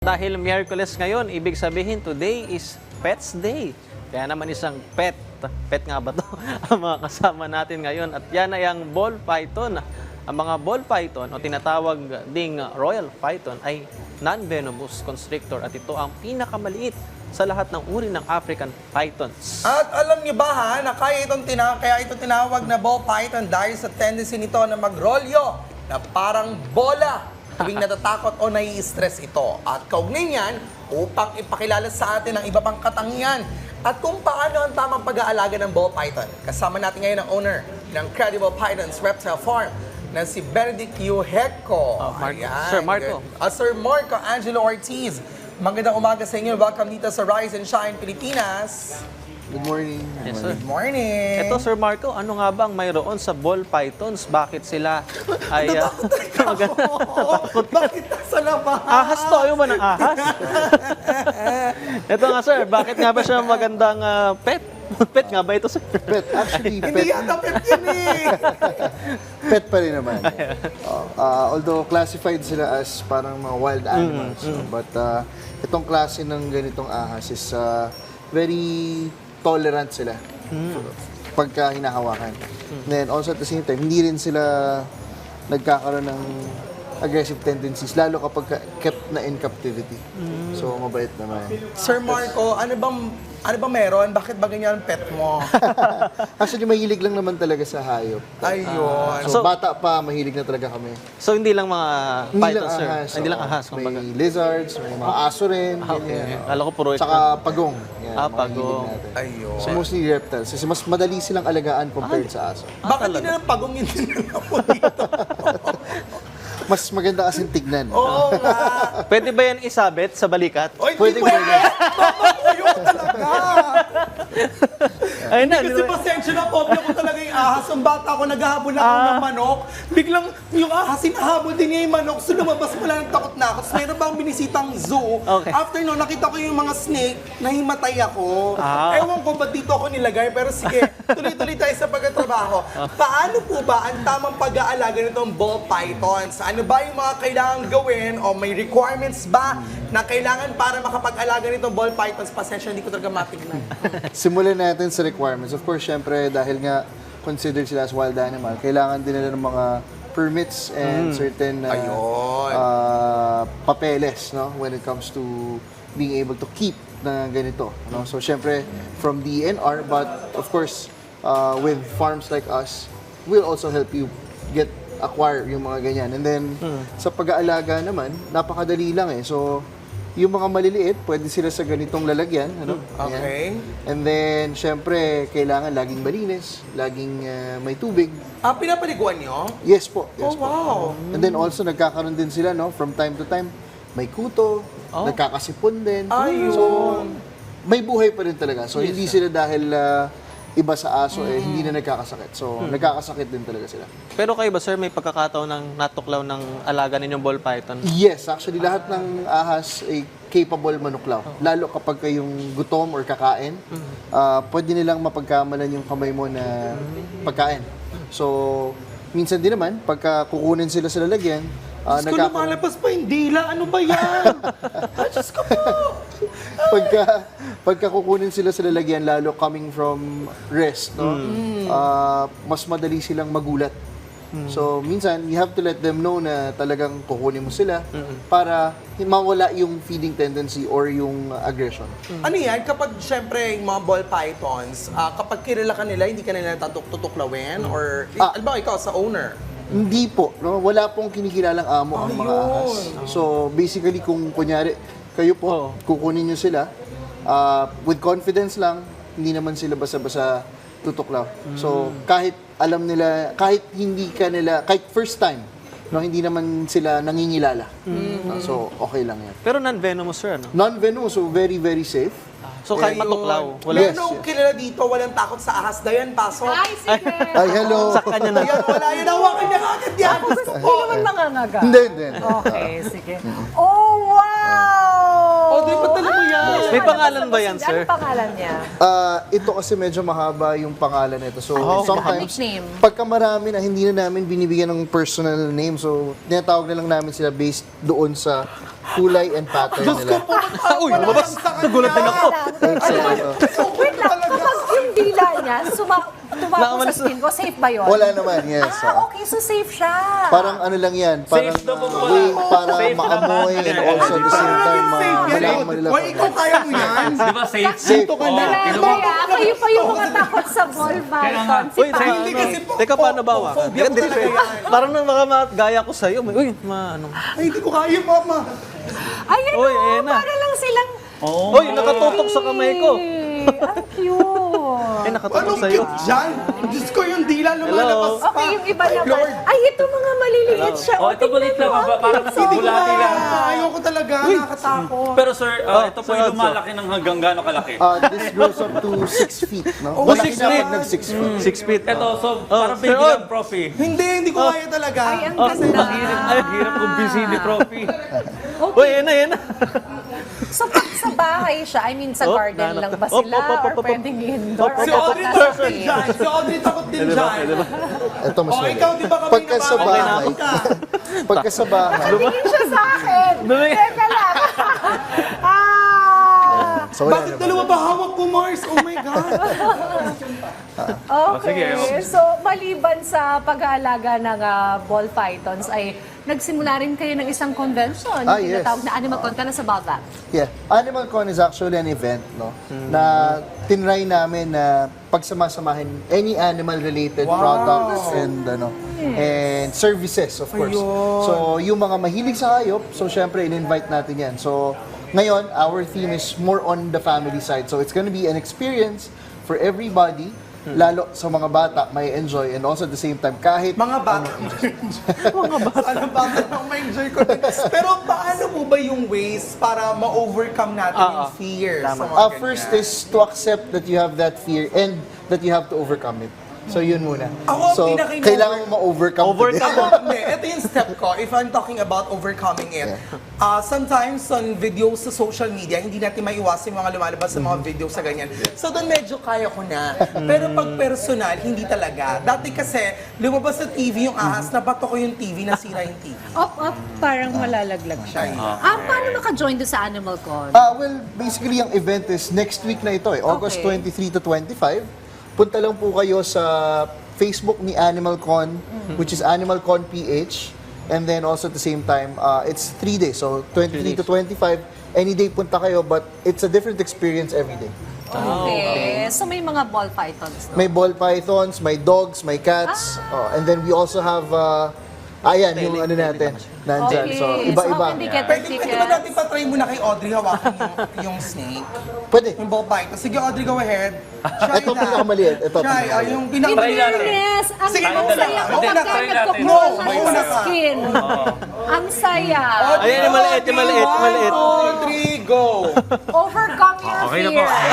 Dahil Miyerkules ngayon, ibig sabihin today is Pets Day. Kaya naman isang pet nga ba to ang mga kasama natin ngayon. At yan ay ang ball python. Ang mga ball python o tinatawag ding royal python ay non-venomous constrictor at ito ang pinakamaliit sa lahat ng uri ng African pythons. At alam niyo ba ha, na kaya ito tinawag na ball python dahil sa tendency nito na magrolyo na parang bola tuwing natatakot o nai-stress ito. At kaugnay niyan, upang ipakilala sa atin ang iba pang katangian at kung paano ang tamang pag-aalaga ng ball python. Kasama natin ngayon ang owner ng Credible Pythons Reptile Farm na si Benedict Yuheko. Sir Marco. Sir Marco Angelo Ortiz. Magandang umaga sa inyo. Welcome dito sa Rise and Shine Pilipinas. Good morning. Yes, sir. Good morning. Ito, Sir Marco, ano nga bang mayroon sa ball pythons? Bakit sila ay... Bakit nasa labas? Ahas to, ayaw ba ng ahas? Ito nga, sir, bakit nga ba siya magandang pet? Pet nga ba ito, sir? Pet, actually, Hindi pet, yata pet yun eh. pet pa rin naman. Although classified sila as parang mga wild animals. But itong klase ng ganitong ahas is very tolerant sila pagka hinahawakan. Then also at the same time, hindi rin sila nagkakaroon ng aggressive tendencies, lalo kapag kept na in captivity. So, mabait naman. Sir Marco, ano bang meron? Bakit ba ganyan ang pet mo? Actually, mahilig lang naman talaga sa hayop. Ayun. So, bata pa, mahilig na talaga kami. So, hindi lang mga Hindi lang pythons, sir? ahas. Hindi lang ahas, May kumbaga. lizards, may mga aso rin. Okay. ganyan. Kala ko puro ito. Saka pagong. Yan, mga pagong. hilig natin. Ayun. So mostly reptiles. Kasi mas madali silang alagaan compared sa aso. Bakit hindi na lang pagong yun mo dito? Mas maganda kasing tignan. Oo nga. Pwede ba yan isabit sa balikat? Oy, Pwede, hindi pwede. pwede. Mamakuyo ko talaga. Ayun na, Kasi pasensya na, phobia ko talaga yung ahas. Ang bata ako, naghahabol ako ng manok. Biglang yung ahas, hinahabol din niya yung manok. So lumabas mo lang, takot na ako. Tapos meron bang binisitang zoo. Okay. After no, nakita ko yung mga snake, nahimatay ako. Ewan ko ba't dito ako nilagay. Pero sige, tuloy-tuloy tayo sa pagkatrabaho. Paano po ba ang tamang pag-aalaga nitong ball pythons? Ano ba yung mga kailangan gawin o may requirements ba na kailangan para makapag-alaga nitong ball pythons? Pasensya, hindi ko talaga matignan. Simulan natin sa requirements. Of course, syempre, dahil nga considered sila as wild animal, kailangan din nila ng mga permits and certain Ayun. papeles, no, when it comes to being able to keep na ganito. No? So, syempre, from DNR, but of course, with farms like us, we'll also help you acquire yung mga ganyan. And then, sa pag-aalaga naman, napakadali lang eh. So, yung mga maliliit, pwede sila sa ganitong lalagyan. Ano? Okay. Ayan. And then, syempre, kailangan laging malinis, laging may tubig. Pinapaliguan nyo? Yes po. Oh, Yes po. wow. And then also, nagkakaroon din sila, no, from time to time, may kuto, nagkakasipon din. Ayun. So, may buhay pa rin talaga. So, hindi sila dahil iba sa aso, hindi na nagkakasakit. So, nagkakasakit din talaga sila. Pero kayo ba, sir, may pagkakataon ng natuklaw ng alaga ninyong ball python? Yes, actually, lahat ng ahas ay capable manuklaw. Lalo kapag kayong gutom or kakain, pwede nilang mapagkamalan yung kamay mo na pagkain. So, minsan din naman, pagka kukunin sila sa lalagyan, Diyos ko, lumalabas pa yung dila. Ano ba yan? Diyos ko po. pagka kukunin sila sa lalagyan, lalo coming from rest, no? Mas madali silang magulat. So, minsan, you have to let them know na talagang kukunin mo sila para mawala yung feeding tendency or yung aggression. Ano yan? Kapag, syempre, yung mga ball pythons, kapag kilala ka nila, hindi ka nila tutuklawin? Or, alam ba, ikaw sa owner? Hindi po, no? Wala pong kinikilalang amo ang mga ahas. So, basically, kung kunyari, kayo po, kukunin nyo sila, with confidence lang, hindi naman sila basa-basa tutuklaw. So, kahit alam nila, kahit kahit first time, no, hindi naman sila nangingilala. So, okay lang yan. Pero non-venomous, sir, ano? Non-venomous, so very, very safe. So, kahit Ayun. matuklaw, wala. Yes. Meron kilala dito, walang takot sa ahas. Dayan, pasok. Ay, sige. Ay, hello! Sa kanya na. Ayan, wala yun. Hawakan niya agad yan. Hindi naman nangangaga. Hindi, hindi. Okay, sige. Oh, wow! Oh, di ba talaga mo yan? May pangalan ba yan, sir? Ano pangalan niya? Ito kasi medyo mahaba yung pangalan nito. So, sometimes, nickname. pagka marami na hindi na namin binibigyan ng personal name, so tinatawag na lang namin sila based doon sa kulay and pattern nila. Uy, lumabas. Nagulat din ako. Wait lang, kapag yung dila niya, tumako sa skin ko, safe ba yun? Wala naman, yes. Okay, so safe siya. Parang ano lang yan, parang Safe daw po pala. way para Safe maamoy naman. and also at the same time, malaman nila. Why, ikaw kaya mo yan? Di ba safe? Safe. Kaya kayo pa yung mga takot sa ball python. Si Uy, Paolo. Hindi kasi po. Teka, paano ba? Phobia ko talaga yan. Parang nang gaya ko sa'yo. Uy, ano. Ay, hindi ko kaya, mama. Ayun Uy, o, ayan na. para lang silang... Uy, nakatutok sa kamay ko. Ang cute. Ay, nakatutok Anong sa'yo. cute dyan? Diyos ko, yung dila lumalabas pa. Okay, yung iba Ay, naman. Lord. Ay, ito mga maliliit siya. Oh, ito balit lang. Parang Hindi ko bulati lang. kaya. Ayoko talaga. Nakatakot. Pero sir, ito po so, yung lumalaki ng hanggang gaano kalaki. This grows up to 6 feet, no? Oh, Malaki 6 na feet. pag nag-6 feet. 6 feet. Ito, so parang Sir baby Od. lang, profi. Hindi ko kaya talaga. Ay, ang ganda. Hirap kung busy ni profi. Uy, yan na. So, pag sa bahay siya, I mean, sa Oh, garden lang ba op, sila? op, op, Or op, op. pwedeng indoor? Or Si dapat Audrey nasa takot din shade? dyan. Si Audrey takot din dyan. Ito mas Oh, mali. ikaw, di ba kami Pagka sa bahay, pagka sa bahay, Tingin siya sa akin. Dumi. Teka lang. so wala Bakit naman. dalawa ba hawak ko, Mars? Oh my God. Okay. So, maliban sa pag-aalaga ng ball pythons, ay nagsimula rin kayo ng isang convention. Yes. Tinatawag na Animal Con. Tell us about that. Yeah. Animal Con is actually an event, no? Na tinry namin na pagsamasamahin any animal-related products and and services, of course. Ayun. So, yung mga mahilig sa hayop, so syempre, in-invite natin yan. So, ngayon, our theme is more on the family side. So, it's gonna be an experience for everybody, lalo sa mga bata, may enjoy, and also at the same time, kahit Mga bata. Mga bata. Ano bata nang ma-enjoy ko din. Pero paano mo ba yung ways para ma-overcome natin yung fear? Sa mga first ganyan? is to accept that you have that fear and that you have to overcome it. So yun muna. Ako, So pinaka-in- kailangan mo ma-overcome Overcome. today. Ako, hindi. Ito yung step ko. If I'm talking about overcoming it, sometimes on videos sa social media, hindi natin maiwasan yung mga lumalabas sa mga videos sa ganyan. So doon medyo kaya ko na. Pero pag personal, hindi talaga. Dati kasi, lumabas sa TV yung ahas, nabato ko yung TV, nasira yung TV. Parang malalaglag siya. Paano maka-join doon sa Animal Con? Well, basically yung event is next week na ito August Okay. 23 to 25. Punta lang po kayo sa Facebook ni Animal Con, which is Animal Con PH. And then also at the same time, it's 3 days. So 23 to 25, any day punta kayo, but it's a different experience every day. Okay. So, may mga ball pythons, no? May ball pythons, may dogs, may cats. And then we also have, ayan, yung ano natin, nandyan. Okay. So, iba-iba. So, how can they get Pwede their ba natin tickets? patry muna kay Audrey hawakan yung snake? Pwede. Yung ball python. Sige, Audrey, go ahead. Try Ito na. pinakamaliit. Ito Try, pinakamaliit. yung In Try natin. fairness, ang Sige, ang mauna saya ka. ko Mauna pagka ka. Try No, nagkukuha kayo mauna sa ka. skin. Ang saya. Ayan, yung maliit, yung maliit, yung maliit. 1, 2, 3, go! Overcome your Okay na fear. po.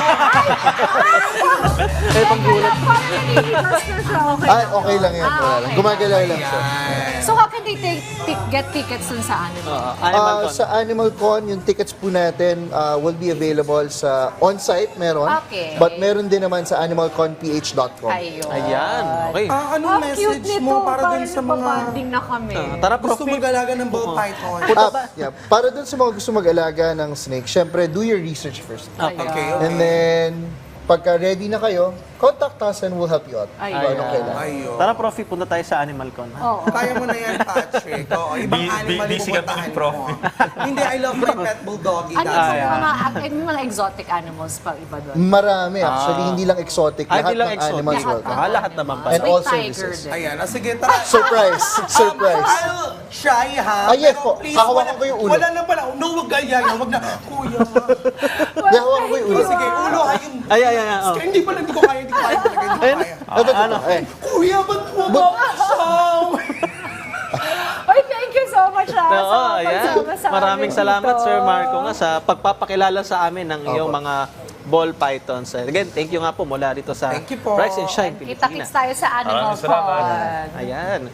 Ay, paggulat. Parang naniligtas na siya. Okay. Okay lang yan. Wala lang. Gumagalaw lang siya. So, how can they get tickets dun sa Animal? Animal Con. Sa Animal Con, yung tickets po natin will be available sa on-site, meron. Okay. But meron din naman sa animalconph.com. Ayun. Ayan, okay. Anong Ang cute message nito. mo para dun sa mga nagpapanding na kami. Tara, gusto Profi. mag-alaga ng ball python? Yeah. Para dun sa mga gusto mag-alaga ng snake, syempre, do your research first. Okay, And then, pagka ready na kayo, contact us and we'll help you out. Ayun. Kung anong kailangan. Ayun. Tara, Profi, punta tayo sa Animal Con. Oo. Kaya mo na yan, Patrick. Oo, ibang animal yung busy kami pupuntahan ni Prof. mo. Hindi, I love my pet bulldoggy. Ano That's yung it. mga exotic animals pa iba doon? Marami actually, hindi lang exotic. Ay, Lahat di lang ng animals exotic. welcome. Lahat naman pa. And May all tiger services. din. Ayan, sige, tara. Surprise! Surprise! I'll try, ha? Yes Pero po. please, Hahawakan ko yung ulo. Wala na pala. No, wag gaya. Wag na. Kuya. Yahawakan ko yung ulo. Sige, ulo ha yung... Ay. Oh. Hindi pala, hindi ko kaya talaga. Hindi ko kaya. Ano? Eh. Kuya, ba't mo ba? Oy, thank you so much sa Ayan. pagsama sa Maraming amin salamat, dito. Sir Marco, nga sa pagpapakilala sa amin ng iyong mga ball pythons. Again, thank you nga po mula rito sa Thank you po. Rise and Shine Kita-kits Pilipinas. tayo sa Animal Maraming salamat. Con. Ayan.